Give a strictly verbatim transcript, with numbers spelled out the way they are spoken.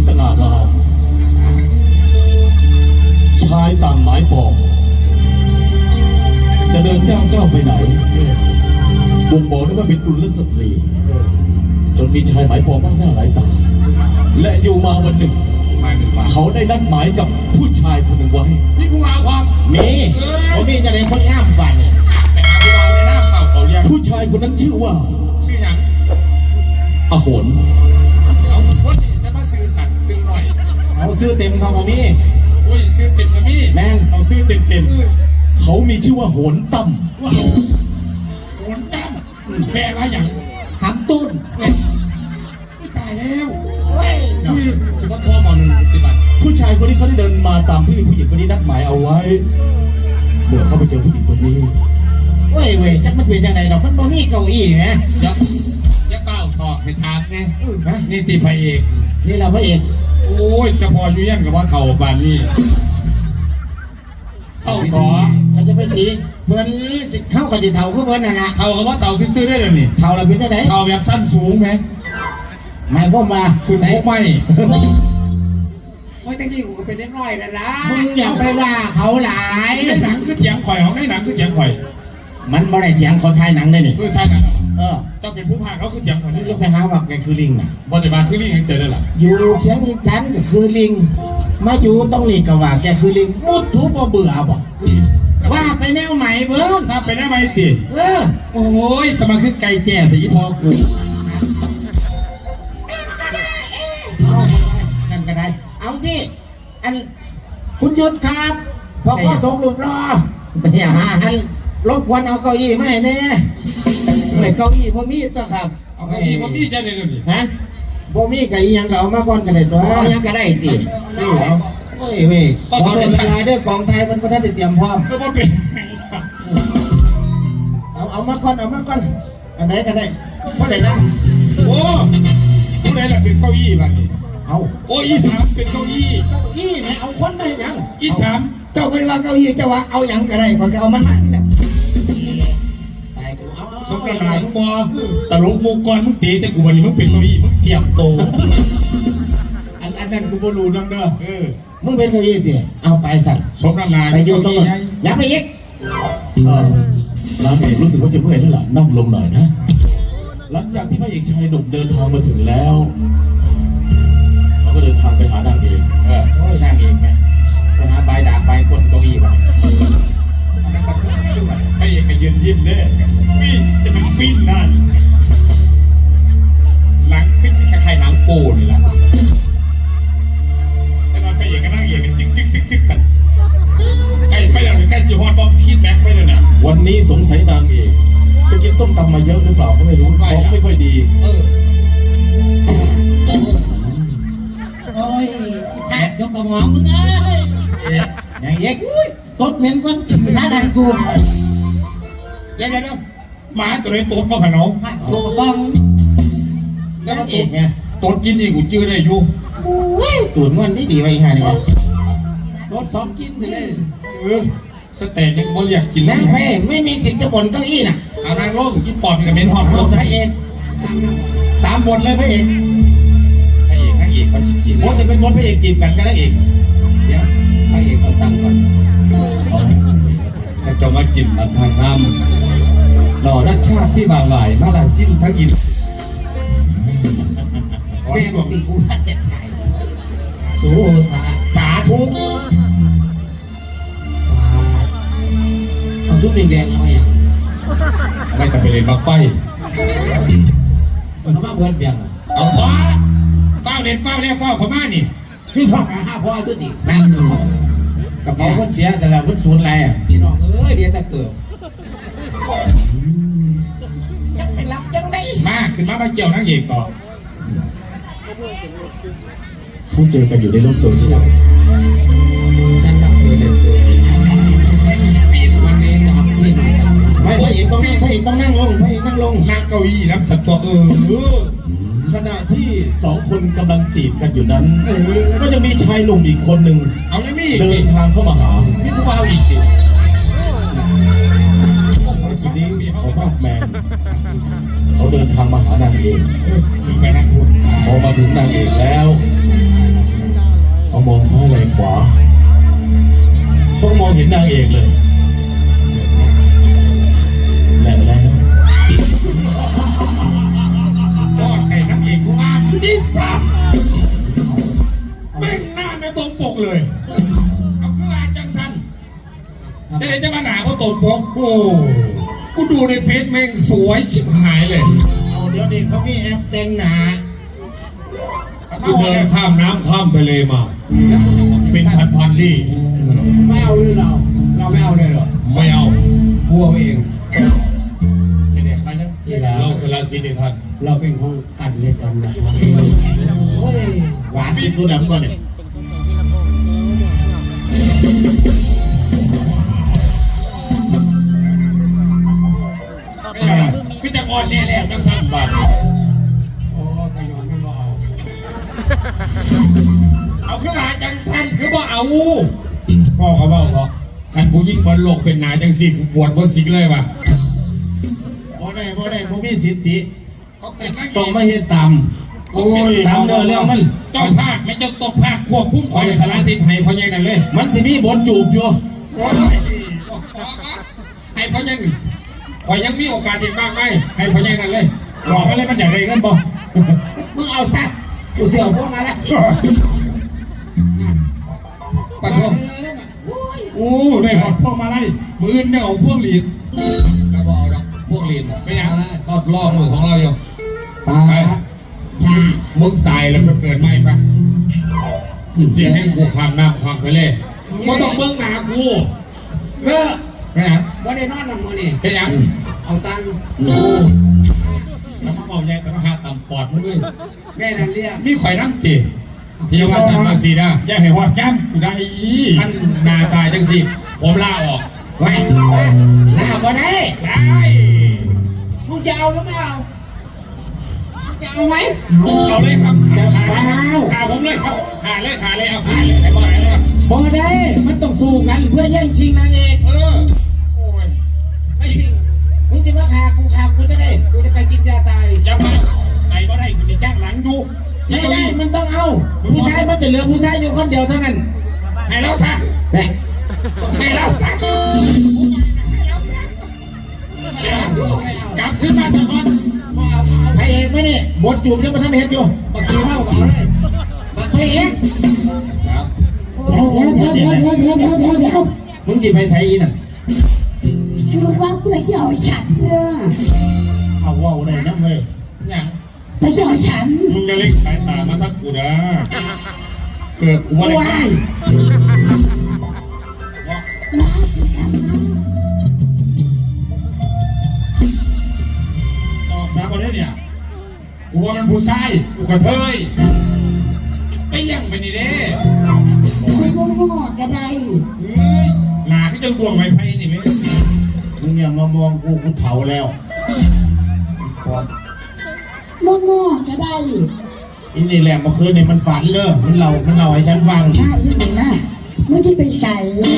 สง่างามชายต่างหมายปองจะเดินย่างก้าวไปไหนบ่งบอกได้ว่าเป็นกุลสตรีจนมีชายหมายปองมากหน้าหลายตาและอยู่มาวันหนึ่งเขาได้นัดหมายกับผู้ชายคนหนึ่งไว้นี่ผู้มาความมีผมมีจะได้คนงามกว่านี่ไปหาผู้มาในหน้าเก่าเขาเรียกผู้ชายคนนั้นชื่อว่าชื่อยังอโหนเอาคนจะมาซื้อสัตว์ซื้อหน่อยเอาซื้อเต็มเขาก็มีโอ้ยซื้อเต็มก็มีแม่นเอาซื้อเต็มเต็มเขามีชื่อว่าโหนตั้มโหนตั้มแปลว่าอย่างหำตุ้นไม่ตายแล้วเฮ้ยฉันว่าท่อมอหนึ่งปฏิบัติผู้ชายคนนี้เขาได้เดินมาตามที่ผู้หญิงคนนี้นัดหมายเอาไว้เมื่อเขาไปเจอผู้หญิงคนนี้เว้ยเว้ยจักมันเป็นยังไงดอกมันบ่มีเก้าอี้ไงยักยักเป้าถอดให้ทานไงนี่ตีพระเอกนี่เราพระเอกโอ้ยจะพออยู่ยังกับว่าเข่าบานนี่เข้าขอเราจะไปตีเพื่อนเข้ากับจีเท่าคือเพื่อนน่ะนะเท่ากับว่าเต่าซื้อได้เลยนี่เท่าเราเป็นยังไงเท่าแบบสั้นสูงไหมไม่พ่อมาคือพวกไม่โอ้ยตั้งที่กูเป็นน้อยนะนะมึงอย่าไปว่าเขาหลายหนังคือเถียงข่อยของในหนังคือเถียงข่อยมันบ่ได้เถียงคนไทยหนังได้นี่เออไทยหนังเออต้องเป็นผู้พากย์เขาคือเถียงข่อยนี่ไปหาว่าแกคือลิงน่ะบ่ได้มาคือลิงเจอได้หรออยู่เชียงจันก็คือลิงมาอยู่ต้องนี่ก็ว่าแกคือลิงมุดทุบเบื่อบ่ว่าไปแนวใหม่เบิ้งถ้าไปแนวใหม่ติเออโอ้ยสมาคือไก่แจ่แต่ยี่พอกูเอานั่นก็ได้เอาที่อันคุณยุทธครับพอข้อส่งรูปรอไปอย่าหาอันรบกวนเอาเก้าอี้มาให้แน่ไม่เก้าอี้พ่อมีตัวครับเอาเก้าอี้พ่อมีจะได้เลยฮะพ่อมีกับอีหยังก็เอามาก่อนกันเลยตัวเอายังก็ได้ติเอ้ยเฮ้ยเว้ยขอเป็นเวลาด้วยกองไทยมันก็ได้เตรียมพร้อมก็บ่เป็นเอาเอามาก่อนเอามาก่อนอันไหนก็ได้เพราะไหนนะโอ้ผู้ใดล่ะเป็นเก้าอี้บ้านนี้เอาโอ้อีสามเป็นเก้าอี้เก้าอี้ไหนเอาคนได้ยังอีสามเจ้าไปว่าเก้าอี้เจ้าว่าเอายังก็ได้พอเอามันมาแล้วสมกับนายมึงบอตลกมุกก่อนมึงตีแต่กูวันนี้มึงเป็นเก้าอี้มึงเทียมโตอันอันนั้นกูบ่รู้นังเด้อเออมึงเป็นเก้าอี้ดิเอาไปสั่งสมกับนายไปอยู่ตรงนั้นอย่าไปอีกเออน้ำเอกรู้สึกว่าจะเมื่อยแล้วล่ะนั่งลงหน่อยนะหลังจากที่พระเอกชายหนุ่มเดินทางมาถึงแล้วเขาก็เดินทางไปหานางเอกเออโอ้ยนางเอกไงไปหาใบด่างใบกดเก้าอี้ไปนั่นก็ซึ้งด้วยพระเอกก็ยืนยิ้มเด้ฟินจะเป็นฟินนั่นหลังขึ้นคล้ายๆหนังโป้นี่แหละแต่ตอนพระเอกก็นั่งเอกกันจึ๊กจึ๊กจึ๊กจึ๊กกันใกล้ไปแล้วใกล้สิฮอตบอมพีดแม็กไปแล้วเนี่ยวันนี้สงสัยนางเอกจะกินส้มตำมาเยอะหรือเปล่าก็ไม่รู้ท้องไม่ค่อยดีเออโอ้ยยกกระหม่อมมึงเอ้ยอย่างเงี้ยตดเหม็นกว่าถ้าดันกูเดี๋ยวเดี๋ยวหมาตัวนี้ตดมาขนมตัวบ้องแล้วมันตดไงตดกินนี่กูจื้อได้อยู่ตัวเงินนี่ดีไปฮะนี่รถซ้อมกินเลยเออสเต็กยังบ่อยากกินนะไม่ไม่มีสิทธิ์จะบ่นเก้าอี้น่ะเอานางร่มกินปอดกับเมนฮอตรถพระเอกตามบทเลยพระเอกพระเอกนางเอกเขาสิกินบทจะเป็นบทพระเอกจีบกันก็ได้เอกเดี๋ยวพระเอกต้องตั้งก่อนถ้าจะมากินมันทางน้ำหล่อรักชาติที่บางหลายมาลาสิ้นทั้งอินแม่บอกตีกูรักจะถ่ายสู้ตาสาธุเอาซุปแดงๆทำไมอ่ะไม่จะไปเล่นบักไฟมันมาเบิร์ดเบียงเอาท้อเฝ้าเล่นเฝ้าเล่นเฝ้าขม่านี่พี่ฟังหาห้าพ่อตัวตินั่นกับเอาคนเสียแต่ละคนศูนย์อะไรอ่ะพี่น้องเอ้ยเดี๋ยวจะเกิดจะไปรับจังได้มาขึ้นมามาเกี่ยวนั่งเอกต่อเขาเจอกันอยู่ในโลกโซเชียลฉันรักเธอเด็ดเธอปีนวันนี้นอนนี่นอนไม่พระเอกต้องนั่งพระเอกต้องนั่งลงพระเอกนั่งลงนั่งเก้าอี้นะสัตว์ตัวเออขณะที่สองคนกำลังจีบกันอยู่นั้นก็จะมีชายหนุ่มอีกคนหนึ่งเอาไม่มีเดินทางเข้ามาหาพี่ผู้ว่าอีกทีคนนี้เขาบ้าแมนเขาเดินทางมาหานางเอกพอมาถึงนางเอกแล้วเลย เอาขึ้นมาจังสันจะไหนจะมาหนาเพราะตดปกโอ้กูดูในเฟซแม่งสวยชิบหายเลยเอาเดี๋ยวนี้เขามีแอปแต่งหนากูเดินข้ามน้ำข้ามทะเลมา เป็นพันพันๆลี่ไม่เอาเลยเราเราไม่เอาเลยเหรอไม่เอากลัวเองเสด็จไปแล้วเราสละสิทธิ์ให้ท่านเราเป็นห้องกันเลยกันนะหวานเป็นตัวดำก่อนเนี่ยไม่เอาคือจะอ่อนแน่แล้วจังสันบาทโอ้ไปยอนไม่เอาเอาขึ้นมาจังสันคือว่าเอาพ่อเขาบอกเขาขันผู้ยิ่งบอลโลกเป็นนายจังสิปวดบนสิงเลยว่ะบ่ได้บ่ได้บ่มีสิทธิเขาเป็นนักต้องมาเฮ็ดตามโอ้ยตามเนื้อเรื่องมันเจ้าภาคไม่เจ้าต้องภาคควบคุ้มคอยสารสิทธิ์ให้พ่อใหญ่นั่นเลยมันสิมีบทจูบอยู่โอ้ยให้พ่อใหญ่คอยยังมีโอกาสอีกบ้างไหมให้พ่อใหญ่นั่นเลยบอกมาเลยมันอย่างไรกันบ่มึงเอาซะกูเสี่ยวพวกมาแล้วปัดพวกโอ้ได้หอดพวกมาไล่มือเนี่ยเอาพวกหลีดก็บอกเอาดอกพวกหลีดไม่ยังรอดล่อมือของเราอยู่ปาไปมึงสายแล้วมันเกิดไหมปะเสียงให้กูความน้ำความทะเลก็ต้องเบื้องหน้ากูเออไปยังบ่ได้นอนหลับมื้อนี่ไปยังเอาตังค์แล้วมาบอกใหญ่แต่มาหาต่ำปอดมึงด้วยแม่นั่นเรียกมีข่อยน้ำตีที่ว่าสามภาษีนะอย่าให้หอดย้ำกูได้ท่านนาตายจังสิผมลาออกไว้ลาบ่ได้ได้มึงจะเอาหรือไม่เอามึงจะเอาไหมเอาเลยครับขาขาขาผมเลยครับขาเลยขาเลยเอาขาเลยให้บ่อยเลยบ่ได้ มันต้องสู้กันเพื่อแย่งชิงนางเอกเออโอ้ยไม่ชิงมึงสิมาฆ่ากูฆ่ากูจะได้กูจะไปกินยาตายอย่ามาไหนบ่ได้กูจะจ้างหลังดูไม่ได้มันต้องเอา ผู้ชายมันจะเหลือผู้ชายอยู่คนเดียวเท่านั้นให้เราซะแม่ให้เราซะกลับขึ้นมาสักคนบ่เอาบ่เอาพระเอกไหมเนี่ยบทจูบยังมาทำเห็ดอยู่บักขี้เมาบ่เอาเลยบักพระเอกครับเดี๋ยวเดี๋ยวเดี๋ยวเดี๋ยวเดี๋ยวเดี๋ยวเดี๋ยวเดี๋ยวมึงจีไปใส่อีน่ะรู้ว่าเพื่อที่เอาฉันเพื่อเอาว่าวเลยนะเฮ้ยยังเพื่อที่เอาฉันมึงจะเล็กสายตามาทักกูนะเกิดกูว่าว้ายมาสิครับออกสามคนเนี่ยกูว่ามันผู้ชายกูกระเทยไปยังไปนี่เด้คุยโง่ๆก็ได้เฮ้ยหนาที่จนดวงไม้ไผ่นี่ไหมมึงอย่ามามองกูกูเผาแล้วโง่ๆก็ได้อินี่แหละเมื่อคืนเนี่ยมันฝันเลยมันเล่ามันเล่าให้ฉันฟังถ้าอีกหนึ่งนะเมื่อที่ไปใส่